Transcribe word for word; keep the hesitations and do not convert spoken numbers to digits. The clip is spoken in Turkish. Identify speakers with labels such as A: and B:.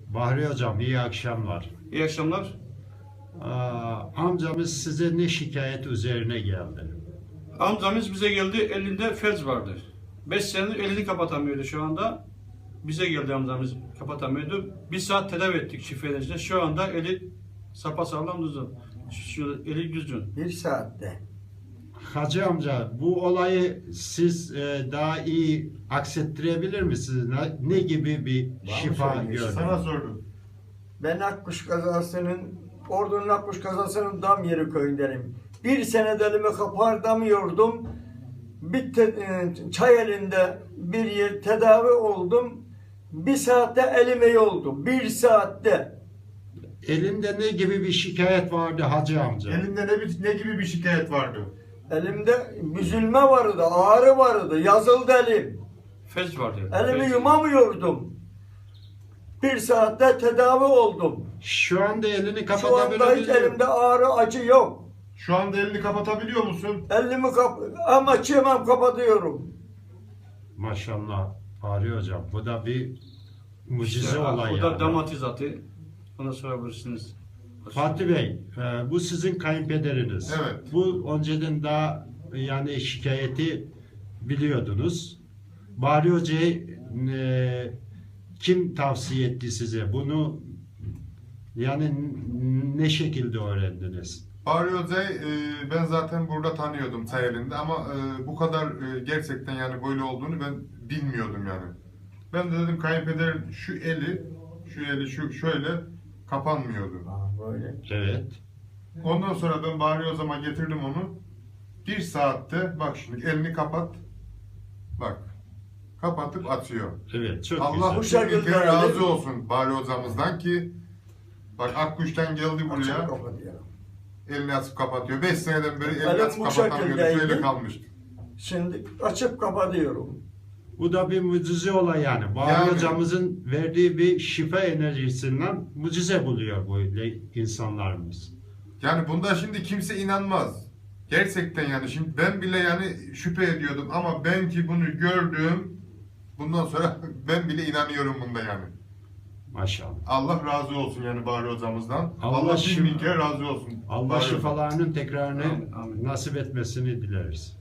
A: Bahri Hocam iyi akşamlar.
B: İyi akşamlar.
A: Aa, amcamız size ne şikayet üzerine geldi?
B: Amcamız bize geldi, elinde felç vardı. beş senedir elini kapatamıyordu şu anda. Bize geldi amcamız, kapatamıyordu. Bir saat tedavi ettik şifreyle. Şu anda eli sapasağlam düzgün. Şu eli düzgün.
C: Bir saatte.
A: Hacı amca bu olayı siz e, daha iyi aksettirebilir misiniz? Ne, ne gibi bir şifa
C: söyleyeyim?
A: gördünüz?
D: Sana sordum.
C: Ben Akkuş kazasının, Ordu'nun Akkuş kazasının dam yeri köyündenim. Bir sene elimi kapardamıyordum. Bir te, e, çay elinde bir yer tedavi oldum. Bir saatte elim iyi oldu. Bir saatte.
A: Elinde ne gibi bir şikayet vardı Hacı amca?
D: Elinde ne, bir- ne gibi bir şikayet vardı?
C: Elimde büzülme vardı, ağrı vardı, yazıldı elim.
B: Felç vardı.
C: Elimi
B: Felç.
C: yumamıyordum. Bir saatte tedavi oldum.
A: Şu anda elini
C: Şu anda hiç
A: kapatabiliyor
C: elimde ağrı, acı yok.
D: Şu anda elini kapatabiliyor musun?
C: Elimi kap ama çiğmem kapatıyorum.
A: Maşallah Bahri Hocam bu da bir mucize
B: İşte,
A: olay
B: bu da
A: yani.
B: damatizatı. Ona sorabilirsiniz.
A: Fatih Bey, e, bu sizin kayınpederiniz.
D: Evet.
A: Bu önceden daha yani şikayeti biliyordunuz. Bahri Hoca'yı e, kim tavsiye etti size? Bunu yani n- ne şekilde öğrendiniz?
D: Bahri Hoca'yı e, ben zaten burada tanıyordum çay elinde ama e, bu kadar e, gerçekten yani böyle olduğunu ben bilmiyordum yani. Ben de dedim kayınpederin şu eli, şu eli şu şöyle kapanmıyordu.
C: Aa, böyle.
A: Evet.
D: Ondan sonra ben Bahri Hoca'ma getirdim onu. Bir saatte bak şimdi elini kapat. Bak. Kapatıp atıyor.
A: Evet, çok
D: Allah bu
A: güzel.
C: şekilde
D: şekilde
C: yani.
D: razı olsun Bahri hocamızdan ki bak Akkuş'tan geldi
C: Açıp
D: buraya
C: kapatıyorum.
D: elini açıp kapatıyor. beş seneden beri elini
C: Elim
D: açıp
C: bu
D: kapatamıyordu.
C: şekildeydi.
D: Şöyle kalmıştı.
C: Şimdi açıp kapatıyorum.
A: Bu da bir mucize olay yani. Bahri
D: Yani.
A: Hocamızın verdiği bir şifa enerjisinden mucize buluyor böyle insanlarımız.
D: Yani bunda şimdi kimse inanmaz. Gerçekten yani şimdi ben bile yani şüphe ediyordum ama ben ki bunu gördüm bundan sonra ben bile inanıyorum bunda yani.
A: Maşallah.
D: Allah razı olsun yani Bahri hocamızdan.
A: Allah
D: Allah,
A: şifa-
D: bin bin kere razı olsun.
A: Allah
D: Bahri hocam.
A: şifalarının tekrarını
B: Amin, amin.
A: nasip etmesini dileriz.